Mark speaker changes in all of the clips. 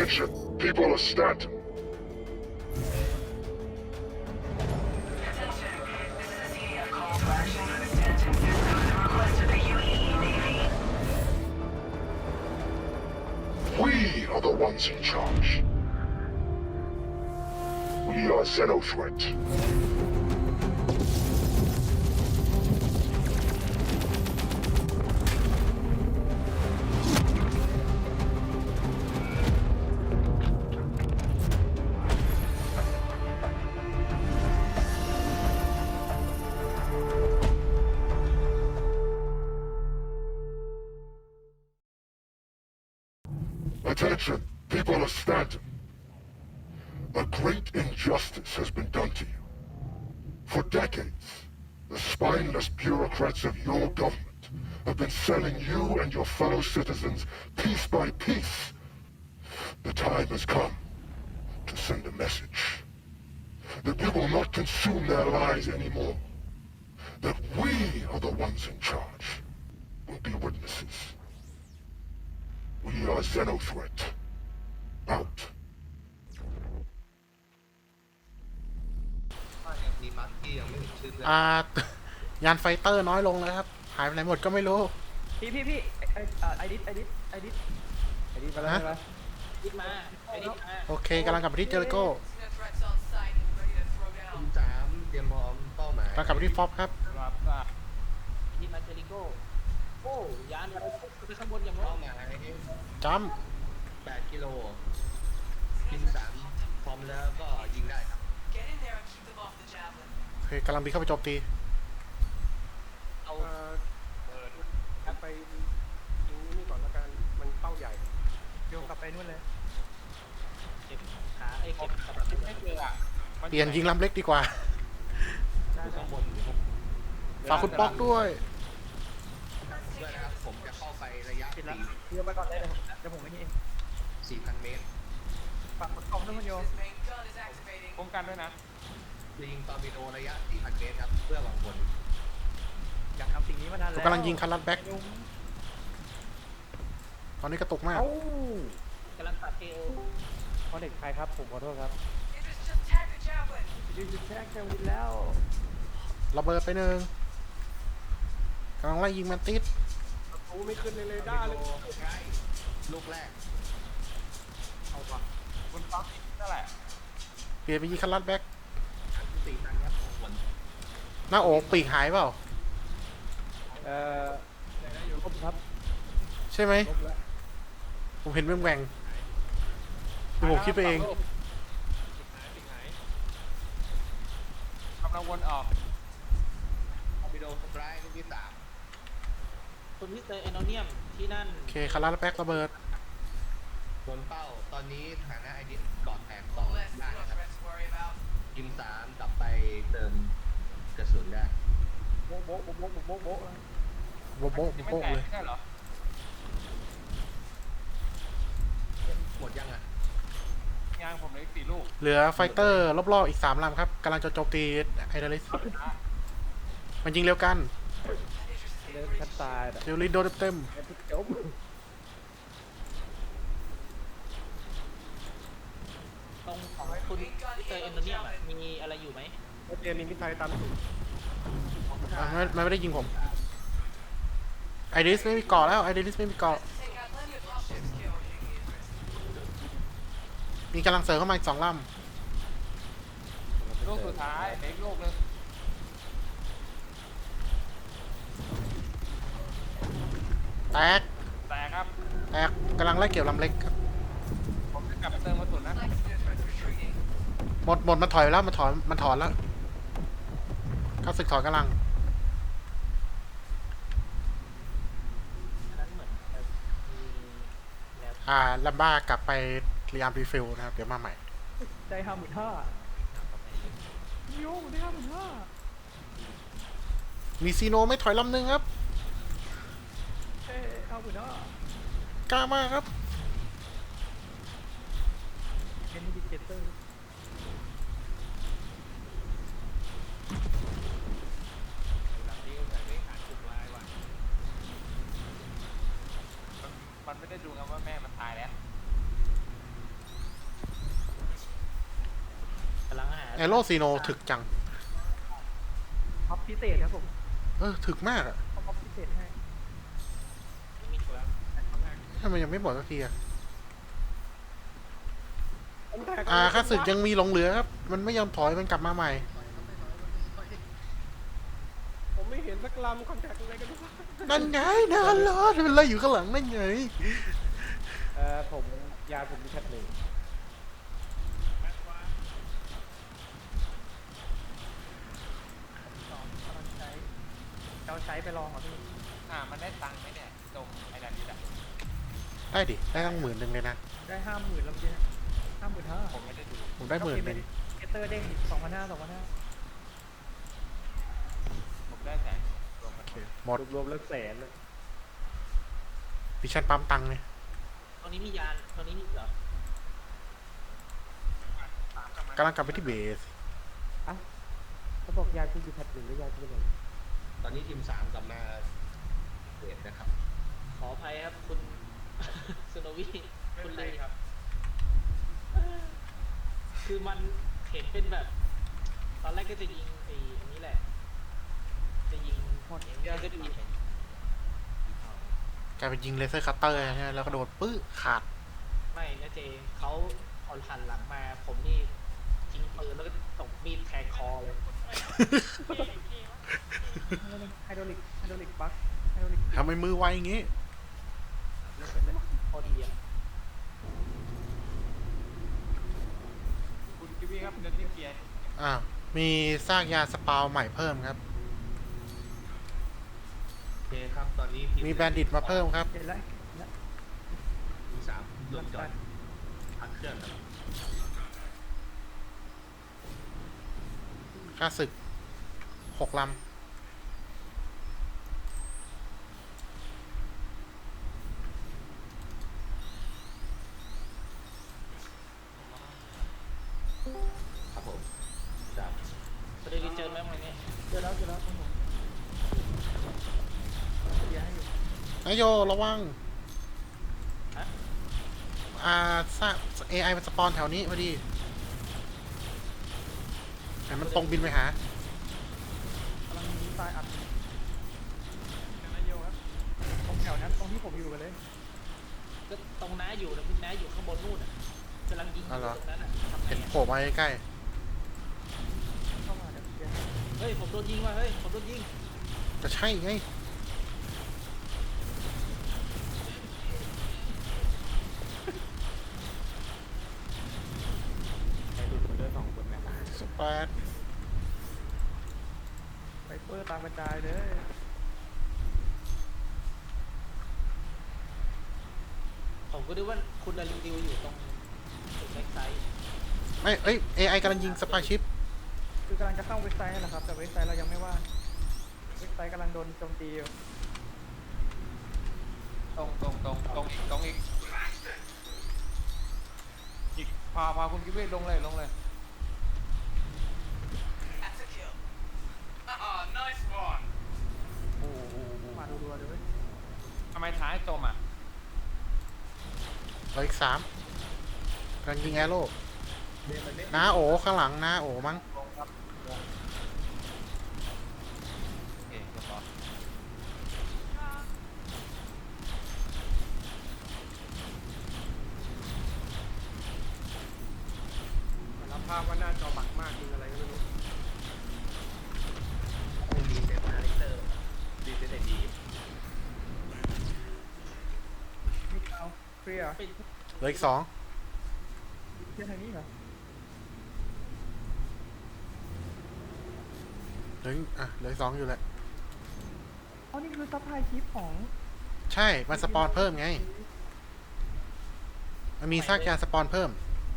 Speaker 1: Attention, people of Stanton. We are the ones in charge. We are Xenothreat. Attention, people of Stanton. A great injustice has been done to you. For decades, the spineless bureaucrats of your government have been selling you and your fellow citizens piece by piece. The time has come to send a message. That we will not consume their lives anymore. That we are the ones in charge. We'll be witnesses. We are Xenothreat. Out.
Speaker 2: ดีมาร์กี้ยังไม่ถึงชื่อเพื่อน
Speaker 3: ยานไฟเตอร์น้อยลงแล้วครับหายไปไหนหมดก็ไม่รู้
Speaker 4: พี่ไอดิสมาแล้ว
Speaker 3: ฮะ
Speaker 4: ใช่ไหม
Speaker 5: ดิดมาไอ้ดิดมา
Speaker 3: โอเคกำลังกลับไปที่เจอริโก้
Speaker 2: ทีม3เตรียมพร้อมเป้าหมาย
Speaker 3: กำลังกลับไปที่ฟ็อบครับ
Speaker 4: ครับ
Speaker 5: ดิดมาเจอริโก้โอ้ยานอะไรไปข้างบนอย่าง
Speaker 2: เป้า
Speaker 5: นั้น
Speaker 2: หมาย
Speaker 3: จัม
Speaker 2: 8 กิโลทีม3พร้อมแล้วก็ยิงได้ครับ
Speaker 3: โอเคกำลังบินเข้าไปโจมตี
Speaker 5: เอา
Speaker 4: กลับไปยิงนี่ก่อนละกันมันเป้าใหญ่โยงกลับไปนู่นเลย
Speaker 5: เก็บขาไอ้เก็บกระเป๋าไม่เจออ่ะ
Speaker 3: เปลี่ยนยิงลำเล็กดีกว่า
Speaker 2: อยู่ข้างบนอยู่ข้างบน
Speaker 3: ฝากคุณป๊อกด้วย
Speaker 2: ด้วยนะครับผมจะเข้าไประยะ
Speaker 4: ปิดแล้วเดี๋ยวไปก่อนเลยเดี๋ยวผมไม่นี่เอง
Speaker 2: 4,000 เมตร
Speaker 4: ฝากกล่องด้วยมันโยป้องกันด้วยนะ
Speaker 2: จะยิงตอร์ปิโดระยะ 4,000 เมตรครับเพื่อหวังผล
Speaker 4: อยากทำสิ่งนี้มานาน
Speaker 3: ผม
Speaker 4: แล้ว
Speaker 3: กำลังยิงคันรัดแบ็กตอนนี้กระตุกมาก
Speaker 4: เอ้าก
Speaker 5: ำลังตัดเอว
Speaker 4: เขาเด็กใครครับผมขอโทษครับยูจะแท็กแคมวินแล้ว
Speaker 3: ระเบิดไปหนึ่งกำลังไล่ยิงแมนติส
Speaker 4: โอ้ไม่ขึ้นเลยเลย
Speaker 2: ตอ
Speaker 4: ได้
Speaker 2: ร์ปิ
Speaker 4: เล
Speaker 2: โด
Speaker 4: ย
Speaker 2: ใกล้ลูกแรก
Speaker 4: เอาปะบนฟ้านั่นแหละ
Speaker 3: เปลี่ยนไปยิงคันรัดแบ็ก
Speaker 2: 4,000 ครับผล
Speaker 3: หน้าอกปีกหายเปล่า
Speaker 4: เอ่อลบครับ
Speaker 3: ใช่ไหม
Speaker 4: ลบแล้ว
Speaker 3: ผมเห็นแหว่งๆคือผมคิดไปเอง
Speaker 4: กำลังวนออก
Speaker 2: ตอร์ปิโดทำร้ายลูกที่3
Speaker 5: คุณที่เจอเอโนเนียมที่นั่น
Speaker 3: โอเคคันรัดแบ็กระเบิด
Speaker 2: โดนเป้าตอนนี้ฐานะไอดิสกอดแตก2ได้นะครับทีม3กลับไปเติมกระสุนได้
Speaker 4: โบ๊ะโบ๊ะโบ๊ะโบ๊ะโบ๊ะโบ๊ะ
Speaker 3: โบ๊ะโบ๊ะโบ๊ะเลย
Speaker 4: ใช่เหรอ
Speaker 2: หมดยังอ่ะ
Speaker 4: ยางผมเหลืออีก4 ลูก
Speaker 3: เหลือไฟเตอร์รอบๆอีก3ลำครับกำลังจะโจมตีไอเดลิสมันยิงเร็วกัน
Speaker 4: เดินคัดตาย
Speaker 3: เดลิสโดนเต็ม
Speaker 4: จบ
Speaker 5: ตรงของคุณที่เจอเอโนเนียมมีอะไรอยู่ไหม
Speaker 4: เจมีมิตรไทยตามสูตร
Speaker 3: มันไม่ได้ยิงผมไอเดลิสไม่มีเกาะแล้วไอเดลิสไม่มีเกาะมีกำลังเสริมเข้ามาอีก2 ลำ
Speaker 4: ลูกสุดท้ายเด็กลูกนึง
Speaker 3: แตก
Speaker 4: แต่ครับ
Speaker 3: แตกกำลังไล่เกี่ยวลำเล็กครับ
Speaker 4: ผมจะกลับไปเติมกระสุนนะ
Speaker 3: หมดมันถอยแล้วมันถอนแล้วข้าศึกถอนกำลัง
Speaker 5: อันนั้นเหมือนมีแล้ว
Speaker 3: ลัมบ้ากลับไปพยายามรีฟิลนะครับเดี๋ยวมาใหม่
Speaker 4: ใจ55,000โยมได้55,000
Speaker 3: มีซีโนไม่ถอยลำหนึ่งครับ
Speaker 4: เอ้55,000
Speaker 3: กล้ามากครับ
Speaker 4: เป็นดิเจเตอร์มันไม่ได้ดูกันว่าแม่มันตายแล้ว
Speaker 3: แอโร่ซีโนถึกจัง
Speaker 4: ท็อปพิเศษครับผม
Speaker 3: ถึกมากอะ
Speaker 4: ท็อปพิเศษให้
Speaker 5: ไม่มีตัว
Speaker 3: ทำไมยังไม่หมดสักทีอะ
Speaker 4: ผมแตก
Speaker 3: ค่าศึกยังมีหลงเหลือครับ มันไม่ยอมถอยมันกลับมาใหม่
Speaker 4: ผมไม่เห็นสักลำคอนแทคอะไรกันทุกคน
Speaker 3: นั่นไงนานรอดมันไล่อยู่ข้างหลังนั่นไง
Speaker 5: ผมยาผมมีแค่หนึ่ง
Speaker 4: กำลังใช้เราใช้ไปลองเหรอพี่
Speaker 5: มันได้ตังค์ไหมเนี่ยตรงไอ้ดันนี่แหละ
Speaker 3: ได้ดิ ได้ตั้ง10,000เลยนะ
Speaker 4: ได้50,000แล้วเมื่อกี้55,000
Speaker 5: ผมไม่ได้ดู
Speaker 3: ผมได้10,000เลย
Speaker 4: เกตเตอร์เด้งอีก2,500
Speaker 5: ผมได้แสนรวมกัน
Speaker 3: หมด
Speaker 4: รวมแล้วแสนเลย
Speaker 3: ดิฉันปั๊มตังค์เลย
Speaker 5: ตรงนี้มียานตรงนี้มีเหรอก
Speaker 3: ำลังกลับไปที่เบส
Speaker 4: เขาบอกยาคุณอยู่แพทหนึ่งหรือยาคุณไหน
Speaker 2: ตอนนี้ทีม 3กลับมาเดทนะครับ
Speaker 5: ขออภัยครับคุณ สโนวี่คุณเลยครับ คือมันเห็นเป็นแบบ ตอนแรกก็จะยิงไอ้อันนี้แหละ จะยิงหมดอย่างเงี้ยก็จะมี
Speaker 3: กลายเป็นยิงเลเซอร์คัตเตอร์ใช่ไหมแล้วก็โดนปื้อขาด
Speaker 5: ไม่นะเจเขาเอาหันหลังมา ผมนี่ยิงปืนแล้วก็ตบมีดแทงคอเลย
Speaker 4: ไฮโดรลิกบัคไฮโดรลิก
Speaker 3: ทำไมมือไวอย่างงี้
Speaker 5: พอดีอ่ะ
Speaker 6: คุณกิวี่ครับเดินที่เกียร์
Speaker 3: มีซากยาสปาวใหม่เพิ่มครับ
Speaker 2: โอเคครับ ตอนนี้ที
Speaker 3: มีแบนดิตมาเพิ่มครับ
Speaker 4: เห็นแล้ว
Speaker 2: ทีม3ลงจอดพักเครื่องครับ
Speaker 3: ค่าศึก6 ลำ
Speaker 2: ครับผมครับ
Speaker 5: ประเด็นเจอไหมวันนี้
Speaker 4: เจอแล้วครับผมเดี๋ยวให้อยู่
Speaker 3: นายโยระวัง
Speaker 5: ฮะ
Speaker 3: ซาก AI มันสปอนแถวนี้พอดีแต่มันตรงบินไปหา
Speaker 4: กำลังมีทรายอัดนายโยครับตรงแถวนั้นตรงที่ผมอยู่กันเลย
Speaker 5: ก็ตรงน้าอยู่นะพี่น้าอยู่ข้างบนนู่นอ่ะกำลังยิงอยู่ตรงนั้นอ่ะทำไง
Speaker 3: เห็น
Speaker 5: อ่ะ
Speaker 3: โผล่มาใกล้
Speaker 4: เข้ามาเดี๋ยวเดี๋ยว
Speaker 5: เฮ้ยผมโดนยิงว่ะเฮ้ยผมโดนยิง
Speaker 3: ๆจะใช่ไง
Speaker 6: ใครดูคนเดิน2 คนไหม
Speaker 3: สเปด
Speaker 4: ไวเปอร์ตามกระจายเลย
Speaker 5: ผมก็ดูว่าคุณดาริวอยู่ตรงจุดแบ็กไซด์
Speaker 3: ไม่AI กำลังยิงสปายชิป
Speaker 4: คือกำลังจะเข้าเว็บไซต์นั่นแหละครับแต่เว็บไซต์เรายังไม่ว่างเว็บไซต์กำลังโดนโจมตีอยู่
Speaker 6: ตรงอีกพาคุณกิวี่ลงเลย โอ้โห
Speaker 4: มารัวๆเลยเว้ย
Speaker 6: ทำไมท้ายจมอ่ะ
Speaker 3: เหลืออีก3กำลังยิงแอโร่น้าโอข้างหลังน้าโอมั้ง
Speaker 6: โอเคเรียบร้อย
Speaker 4: รับภาพว่าหน้าจอบักมากยิงอะไรก็ไม่รู้
Speaker 2: คงมีเซฟคาแรคเตอร์ดีเซนดี
Speaker 4: ไม่เอาเคลียร์
Speaker 5: เป็น
Speaker 3: เหลืออีก2
Speaker 4: เคลียร์ทางนี้เหรอ
Speaker 3: เหลืออีก2อยู่แหละ
Speaker 4: อ๋อนี่คือซัพพลายชิปของ
Speaker 3: ใช่ มันสปอนเพิ่มไง มันมีซากยาสปอนเพิ่ม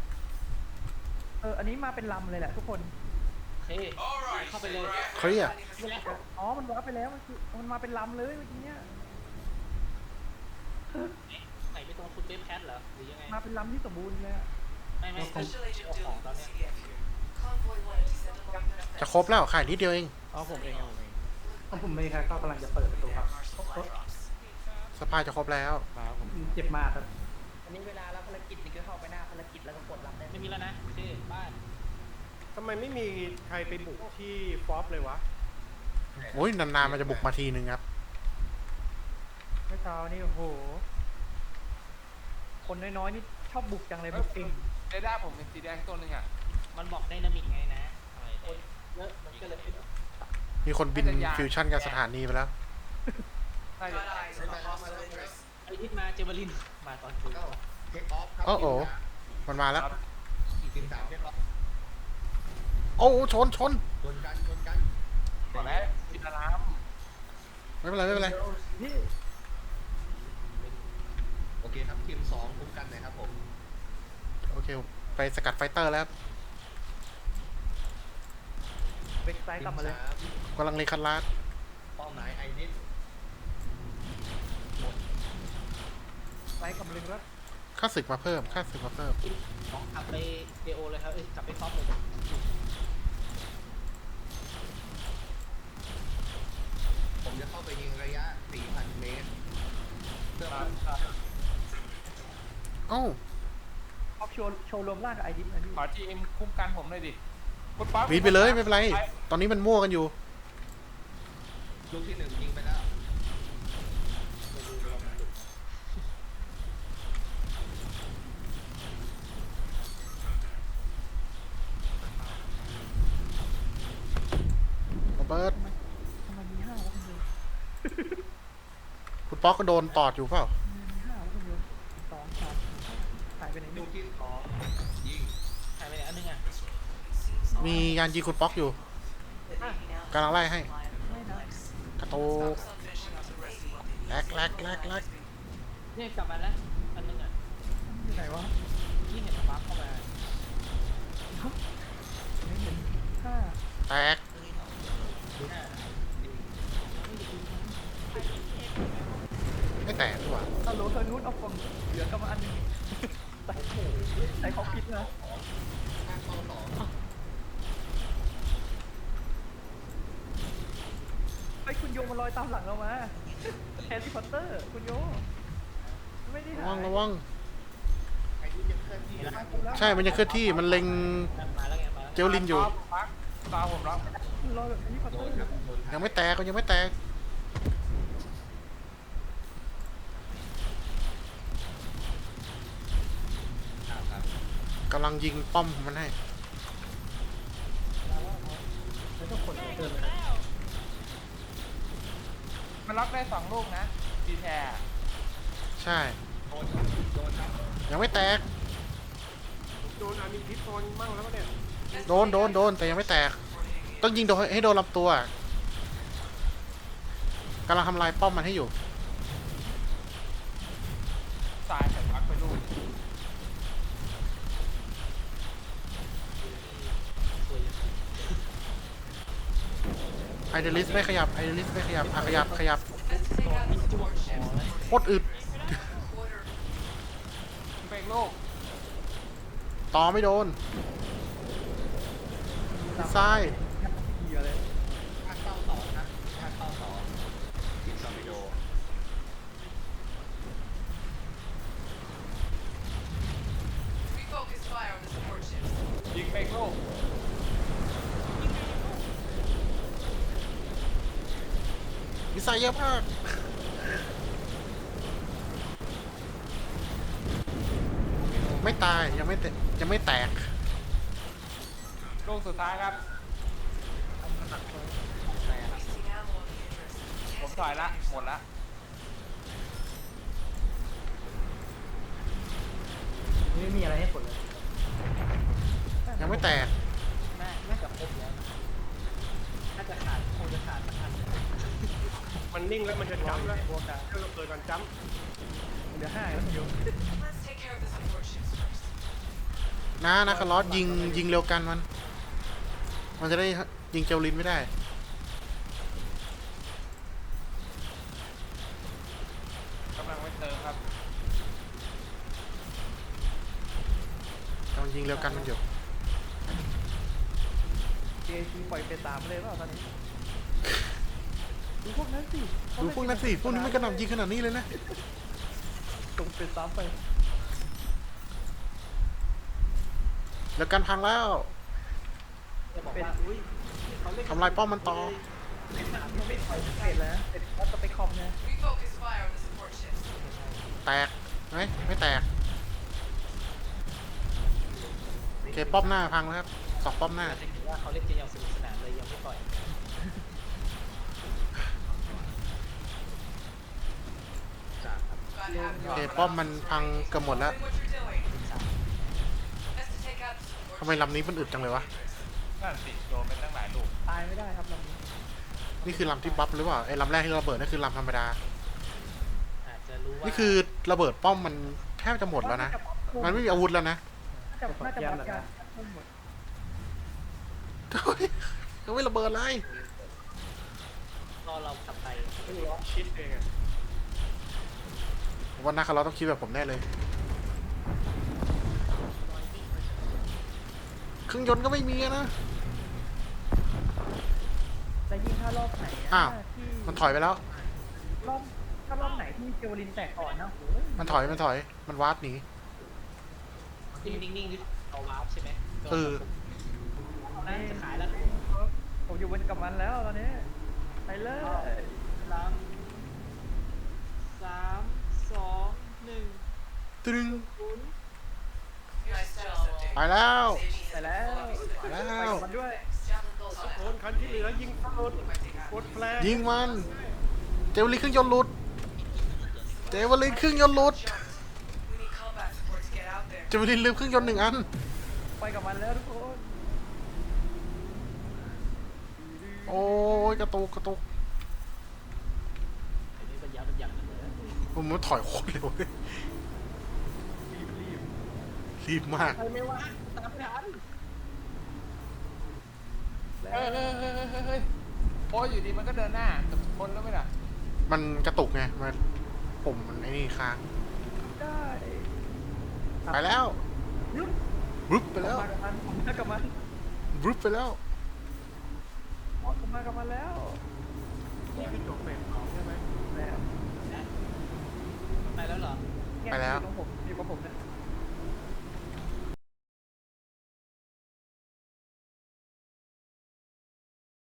Speaker 4: อันนี้มาเป็นลำเลยแหละทุกคน
Speaker 5: โอเคเข้าไปเลย
Speaker 3: เคลียร์
Speaker 5: ไปแล้ว
Speaker 4: อ๋อมันวาร์ปไปแล้วมันมาเป็นลำเลยเมื่อกี้เนี่ย
Speaker 5: ไหนไปตรงคุณเบฟแพทเหรอหรือยังไง
Speaker 4: มาเป็นลำที่สมบูรณ์เลยอะ
Speaker 5: ไม่ผมเอาของตอนเนี้ย
Speaker 3: จะครบแล้วขายนิดเดียวเอง
Speaker 6: อ๋อผมเอง
Speaker 4: ผมไม่ครับก็กำลังจะเปิดประตูครับ
Speaker 3: สปายจะครบแล้ว
Speaker 6: ครับผม
Speaker 4: เจ็บมากครับ
Speaker 7: อันนี้เวลารับภารกิจนี่ก็เข้าไปหน้าภารกิจแล้วก็กดรับได้
Speaker 5: ไม่มีแล้วนะโอเคบ้าน
Speaker 4: สทำไมไม่มีใครไปบุกที่ฟอปเลยวะ
Speaker 3: โอ้ยนานๆมันจะบุกมาทีนึงครับ
Speaker 7: เมื่อเช้านี่โอ้โห คนน้อยๆนี่ชอบบุกจังเลยบุกเก่ง
Speaker 6: เรดาร์ผมเป็นสีแดงตัวหนึงอ่ะ
Speaker 5: มันบอกไดนามิกไงนะอะไรคนเยอะมันก็เลยเป็น
Speaker 3: มีคนบินฟิวชั่นกับสถานีไปแล้ว
Speaker 6: ใช่
Speaker 5: ไอทิศมาเจเบลินมาตอนคืน
Speaker 2: เข้าเทคออฟครับ
Speaker 3: โอ้โห มันมาแล้ว
Speaker 2: ทีมสามเทคออฟ
Speaker 3: โอ้ชน
Speaker 2: ชนกัน
Speaker 6: ก่อนแล้วบินน้
Speaker 3: ไม่เป็นไรไม่เป็นไร
Speaker 7: นี่
Speaker 2: โอเคครับทีมสองคุ้มกันหนะครับผม
Speaker 3: โอเค ไปสกัดไฟเตอร์แล้วครับ
Speaker 7: เบรกซ้าย
Speaker 2: ที
Speaker 7: กลับ
Speaker 2: ม
Speaker 7: มาเลย
Speaker 2: สาม
Speaker 3: กำลังเลคัดลาด
Speaker 2: เป้าหมายไอริส
Speaker 7: ซ้ายกลับมาเลยครับ
Speaker 3: ค่าศึกมาเพิ่ม ค่าศึกมาเพิ่ม
Speaker 5: ของขับไปเดโอเลยครับเอ้ยขับไปท็อปเลย
Speaker 2: ผมจะเข้าไปยิงระยะ 4,000 เมตรเพื่อ
Speaker 3: เอ้า
Speaker 7: ออฟโชว์รวมร่างกับไอดิฟนะพี่
Speaker 6: ำขอทีมคุ้มกันผมเลยดิคุณป๊อป
Speaker 3: วีดไปเลยไม่เป็นไร ตอนนี้มันมั่วกันอยู่
Speaker 2: ลูกที่หนึ่งยิงไปแล้ว
Speaker 3: โรเบิร์ต
Speaker 7: ทำไมมีห้าวะคุณโย
Speaker 3: คุณป๊อกก็โดนตอดอยู่เปล่า
Speaker 7: มีห้าวะคุณโยสองสามหายไปไหน
Speaker 2: ลู
Speaker 7: ลู
Speaker 2: ก
Speaker 7: ก
Speaker 2: ที่สองยิง
Speaker 5: หายไปไหนอันนึงอ่ะ
Speaker 3: มียานยิงคุณป๊อกอยู่กำลังไล่ให้
Speaker 7: ไม่นะ
Speaker 3: กระโตกแลก
Speaker 5: เนี่ยกลับมาแล้วอันนึงอ่ะ
Speaker 7: อยู่ไหนวะ
Speaker 5: ยิ่งเห็นฟ้าเข้ามา
Speaker 7: ไม่เห็นห้า
Speaker 3: แตก ไม่แตกดีกว่า
Speaker 7: ฮัลโหลเธอนู้นเอากล่องเหลือกลับมาอันหนึงใส่เขาคิดนะ
Speaker 2: ข้างเข้าสอง
Speaker 7: ไอ้คุณโยมันลอยตามหลังเรามาแฮร์รี่พอตเตอร์คุณโยไม่ได้
Speaker 3: ระ
Speaker 7: หา
Speaker 3: วัง
Speaker 7: ย
Speaker 3: ระวัง
Speaker 2: ไอริสยังเคลื่อนที่นะ
Speaker 3: ใช่ มันจะเคลื่อนที่ มันเล็ง
Speaker 5: มาแล้วไงมาแล้ว
Speaker 3: เจลลินอยู่
Speaker 6: ปักตาผมรับ
Speaker 7: ลอยแบบแฮร์รี่พอต
Speaker 2: โด
Speaker 7: เตอน ร์
Speaker 2: ครับโดน
Speaker 3: ยังไม่แตกก็ยังไม่แตก
Speaker 2: ครับ
Speaker 3: กำลังยิงป้อมของมันให้
Speaker 7: แล้วก็ขนเดินเลย
Speaker 6: มันรับได้2 ลูกนะดีแทร์
Speaker 3: ใช่
Speaker 2: โดนครับ
Speaker 3: ยังไม่แตก
Speaker 4: โดนอามิทิพย์โดนมั่งแล้วเนี่ย
Speaker 3: โดนแต่ยังไม่แตก ต้องยิงโดนให้โดนลำตัวกำลังทำลายป้อมมันให้อยู่
Speaker 6: สายแต่ปักไปลูก
Speaker 3: ไอเดลิสไม่ขยับ อ่ะขยับโคตรอึด
Speaker 6: เป็นลูก
Speaker 3: ต่อไม่โดนซ้าย
Speaker 7: เหี้ยเลย
Speaker 2: ข้างเข้าสองครับข้างเข้าสองทีมซอมบิโด
Speaker 8: Refocus fire on the support ships.
Speaker 6: ยิงเป็นลูก
Speaker 3: มิสไซล์เยอะมาก ไม่ตายยังไม่แตก
Speaker 6: ลูกสุดท้ายครับ
Speaker 8: Wasting ammo on the interest.
Speaker 6: ผมถอยละ หมดละ
Speaker 7: ไม่มีอะไรให้ผลเลย
Speaker 3: ยังไม่แตก
Speaker 5: น่าจะครบแล้วน่าจะขาดคงจะขาดสักอัน
Speaker 4: มันนิ่งแล้วมันจะจัมป์แล้ว
Speaker 7: บวกกัน
Speaker 4: เรื่องเราเปิดก่อนจัมป์
Speaker 7: เหลือห้าแล้วคุณโย
Speaker 8: Let's take care of the support ships first.
Speaker 3: นะคาร์ลอสยิงเร็วกันมันจะได้ยิงเจลลินไม่ได้
Speaker 6: กำลังไปเติมครับ
Speaker 3: กำลังยิงเร็วกันมันอยู่
Speaker 7: เจซีปล่อยไปตามเลยเปล่าตอนนี้ดูพวกนั้นสิ
Speaker 3: ดูพวกนั้นสิพวกนี้ไม่กระหน่ำยิงขนาดนี้เลยนะ
Speaker 7: ตรงเป็นซ้ำไป
Speaker 3: เร็วกันพังแล้ว
Speaker 5: จะบอกว่าอุ้ยเขาเล่น
Speaker 3: ทำลายป้อมมันต่อ
Speaker 7: มันไม่ถอยเสร็จแล้วเสร็จแล้วก็ไปคอมนะ
Speaker 8: Refocus fire on the support ships.
Speaker 3: แตกไหมไม่แตกโอเคป้อมหน้าพังแล้วครับสองป้อมหน้า
Speaker 5: จะเห็นว่าเขาเล่นกันอย่างสนุกสนานเลยยังไม่ปล่อย
Speaker 8: Gotta have
Speaker 3: โอเค
Speaker 8: your
Speaker 3: ป้อมมันพังเกือบหมดแล้ว
Speaker 8: doing what you're doing. Best to take out the support
Speaker 3: ทำไมลำนี้มันอึดจังเลยวะ
Speaker 6: นั่นสิโดนไปตั้งหลายลูก
Speaker 7: ตายไม่ได้ครับลำนี้
Speaker 3: นี่คือลำที่บัฟหรือเปล่าไอ้ลำแรกที่ระเบิดนั่นคือลำธรรมดา
Speaker 5: อาจจะรู้ว่า
Speaker 3: นี่คือระเบิดป้อมมันแทบจะหมดแล้วนะ มันไม่มีอาวุธแล้วนะ
Speaker 7: น่าจะวัดการทั้งหมด
Speaker 3: เฮ้ยยังไม่ระเบิดเลย
Speaker 5: ก็เรากลับไป
Speaker 4: ไม่รู้คิดเองอะ
Speaker 3: ผมว่านักเราต้องคิดแบบผมแน่เลยเครื่องยนต์ก็ไม่มีอะนะ
Speaker 7: แล้วยิ่งถ้ารอบไหน
Speaker 3: อ้าว
Speaker 7: ที่
Speaker 3: มันถอยไปแล้ว
Speaker 7: รอบถ้ารอบไหนที่เจวลินแตกก่อนนะโอ้ย
Speaker 3: มันถอยมันวาร์ปหนี
Speaker 5: ที่นิ่งๆนี่เอาวาร์ปใช่ไหม
Speaker 3: เออ
Speaker 5: เอานะจะขายแล้ว
Speaker 7: ผมอยู่บนกับมันแล้วตอนนี้ไปเลย
Speaker 5: 3 2 1
Speaker 3: ตึง
Speaker 8: Nice status update.
Speaker 3: ไปแล้ว
Speaker 7: ไปแล้ว
Speaker 3: ไปแล้
Speaker 7: ไป
Speaker 3: ว
Speaker 7: กับมันด้วย
Speaker 8: Javelin bolts on
Speaker 4: โด
Speaker 8: it.
Speaker 4: นคันที่เหลือยิงเข้ากดแฟลช
Speaker 3: ยิงมัน เจวลินเครื่องยนต์หลุด เจวลินเครื่องยนต์หลุด
Speaker 8: We need combat support to get out there.
Speaker 3: เจวลินลืมเครื่องยนต์1 อัน
Speaker 7: ไปกับมันแล้วทุกคน
Speaker 3: โอ้ยกระตุก
Speaker 5: อันนี้เป็นยับเป็นยับเลย
Speaker 3: ผมมันถอยโคตรเร็วเลยรีบมาก
Speaker 5: ใครไม่ว่าตามไม่ทัน
Speaker 6: เฮ้ยโอ้ยอยู่ดีมันก็เดินหน้ากับคนแล้วไม่ล่ะ
Speaker 3: มันกระตุกไงมันปุ่มมันไอ้นี่ค้าง
Speaker 7: ได้
Speaker 3: ไปแล้ว
Speaker 7: ยุบ
Speaker 3: บรึบไปแล้ว
Speaker 7: มากับมันผมมากับมัน
Speaker 3: บรึบไปแล้ว
Speaker 7: ผมมากับมันแล้ว
Speaker 4: นี่คือจบเฟสสองใช่ไหม
Speaker 7: แล้ว
Speaker 5: ไปแล้วเหรอ
Speaker 7: เนี่ย
Speaker 3: ไปแล้ว
Speaker 7: อยู่ตรงผมอยู่กับผมเนี่ย